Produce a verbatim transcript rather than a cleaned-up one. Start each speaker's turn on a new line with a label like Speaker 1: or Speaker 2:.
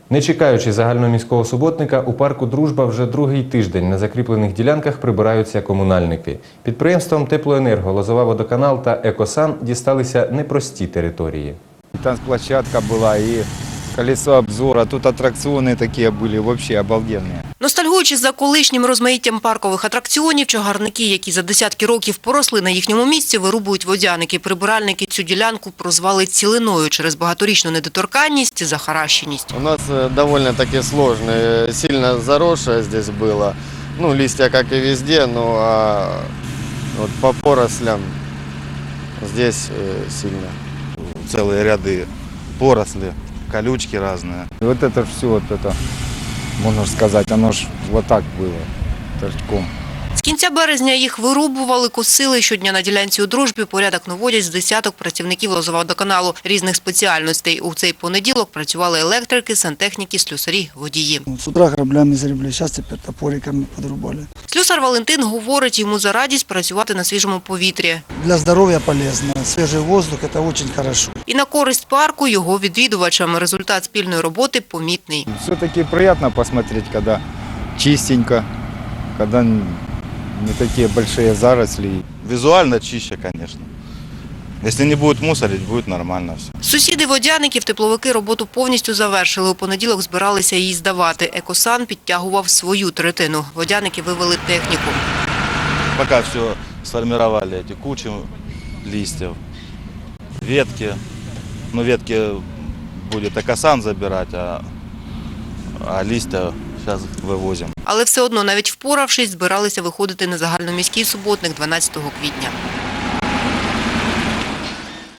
Speaker 1: Не чекаючи загальноміського суботника, у парку «Дружба» вже другий тиждень на закріплених ділянках прибираються комунальники. Підприємствам «Теплоенерго», «Лозова-Водоканал» та «Екосан» дісталися непрості території.
Speaker 2: Танцплощадка була і колесо обзору, тут атракціони такі були, взагалі обалденні.
Speaker 3: Ностальгуючи за колишнім розмаїттям паркових атракціонів, чагарники, які за десятки років поросли на їхньому місці, вирубують водяники. Прибиральники цю ділянку прозвали цілиною через багаторічну недоторканність і захаращеність.
Speaker 4: У нас довольно-таки сложно, сильно заросшее здесь было. Ну, листья, как и везде, но а вот по порослям здесь сильно.
Speaker 5: Целые ряды поросли, колючки разные.
Speaker 2: І от це все, вот это, можна сказати, воно ж вот так було, торчком.
Speaker 3: З кінця березня їх вирубували, косили. Щодня на ділянці у «Дружбі» порядок наводять з десяток працівників Лозова-Водоканалу різних спеціальностей. У цей понеділок працювали електрики, сантехніки, слюсарі, водії.
Speaker 6: З утра граблями зарібли, зараз тепер топориками подрубали.
Speaker 3: Слюсар Валентин говорить, йому за радість працювати на свіжому повітрі.
Speaker 6: Для здоров'я полезно, свіжий воздух – це дуже хорошо.
Speaker 3: І на користь парку його відвідувачам. Результат спільної роботи помітний.
Speaker 2: Все-таки приємно посмотреть, коли чистенько, коли не такі великі заросли.
Speaker 5: Визуально чище, конечно. Если не будет мусорить, будет нормально все.
Speaker 3: Сусіди водяників, тепловики роботу повністю завершили. У понеділок збиралися її здавати. «Екосан» підтягував свою третину. Водяники вивели техніку.
Speaker 5: Пока все сформировали, эти кучи листьев, ветки. Ну, ветки будет Экосан забирать, а, а листья сейчас вывозим.
Speaker 3: Але все одно, навіть впоравшись, збиралися виходити на загальноміський суботник дванадцятого квітня.